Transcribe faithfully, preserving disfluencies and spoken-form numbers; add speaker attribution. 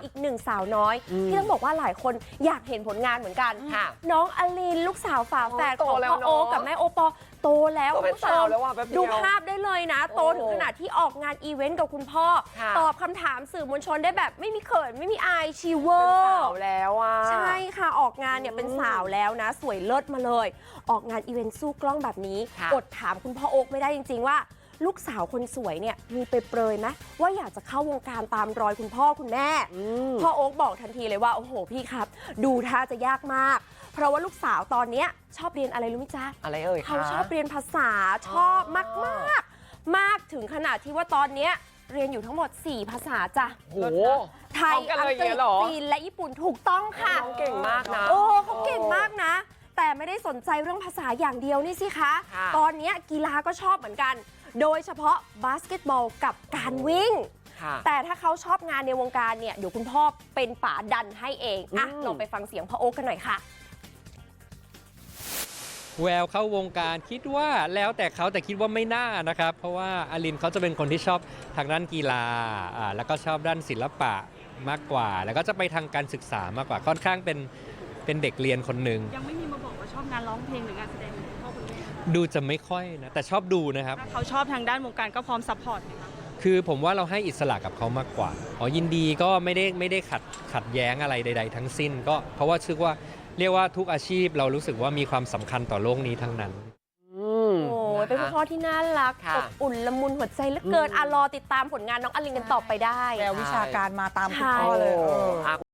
Speaker 1: อีกหนึ่งสาวน้อยที่ต้องบอกว่าหลายคนอยากเห็นผลงานเหมือนกันน้องอลินลูกสาวฝาแฝดของพ่อโอ๊คกับแม่โอปอโตแล้วคุณผู้ชมดูภาพได้เลยนะโตถึงขนาดที่ออกงานอีเวนต์กับคุณพ่อตอบคำถามสื่อมวลชนได้แบบไม่มีเขินไม่มีอายชีเวอร์เป็นสาวแล้วอ่ะใช่ค่ะออกงานเนี่ยเป็นสาวแล้วนะสวยเลิศมาเลยออกงานอีเวนต์สู้กล้องแบบนี้อดถามคุณพ่อโอ๊คไม่ได้จริงๆว่าลูกสาวคนสวยเนี่ยมีไปเปรยไหมว่าอยากจะเข้าวงการตามรอยคุณพ่อคุณแม่พ่อโอ๊คบอกทันทีเลยว่าโอ้โหพี่ครับดูท่าจะยากมากเพราะว่าลูกสาวตอนนี้ชอบเรียนอะไรรู้ไหมจ๊ะอะไรเอ่ยเขาชอบเรียนภาษาชอบมากมากมากถึงขนาดที่ว่าตอนนี้เรียนอยู่ทั้งหมดสี่ภาษาจ้ะโอ้ไทยอังกฤษจีนและญี่ปุ่นถูกต้องค่ะเขาเก่งมากนะโอ้เขาเก่งมากนะแต่ไม่ได้สนใจเรื่องภาษาอย่างเดียวนี่สิคะตอนนี้กีฬาก็ชอบเหมือนกันโดยเฉพาะบาสเกตบอลกับการวิ่งแต่ถ้าเขาชอบงานในวงการเนี่ยเดี๋ยวคุณพ่อเป็นป่าดันให้เองอ่ะลองไปฟังเสียงพ่อโอ๊คกันหน่อยค่ะ
Speaker 2: แววเข้าวงการคิดว่าแล้วแต่เขาแต่คิดว่าไม่น่านะครับเพราะว่าอลินเขาจะเป็นคนที่ชอบทางด้านกีฬาอ่าแล้วก็ชอบด้านศิลปะมากกว่าแล้วก็จะไปทางการศึกษามากกว่าค่อนข้างเป็นเป็นเด็กเรียนคนหนึ่ง
Speaker 3: ยังไม่มีมาบอกว่าชอบงานร้องเพลงหรืองานแสดงของพ่อคุณแม่
Speaker 2: ดูจะไม่ค่อยนะแต่ชอบดูนะครับ
Speaker 3: ถ้าเขาชอบทางด้านวงการก็พร้อมซัพพอร์ตไหมคะ
Speaker 2: คือผมว่าเราให้อิสระกับเขามากกว่าอ๋อยินดีก็ไม่ได้ไม่ได้ขัดขัดแย้งอะไรใดๆทั้งสิ้นก็เพราะว่าชื่อว่าเรียกว่าทุกอาชีพเรารู้สึกว่ามีความสำคัญต่อโลกนี้ทั้งนั้น
Speaker 1: โอ้ยเป็นพ่อที่น่ารักอบอุ่นละมุนหัวใจเหลือเกินอ่ะรอติดตามผลงานน้องอลินกันต่อไปได้
Speaker 4: แวววิชาการมาตามคุณพ่อเลย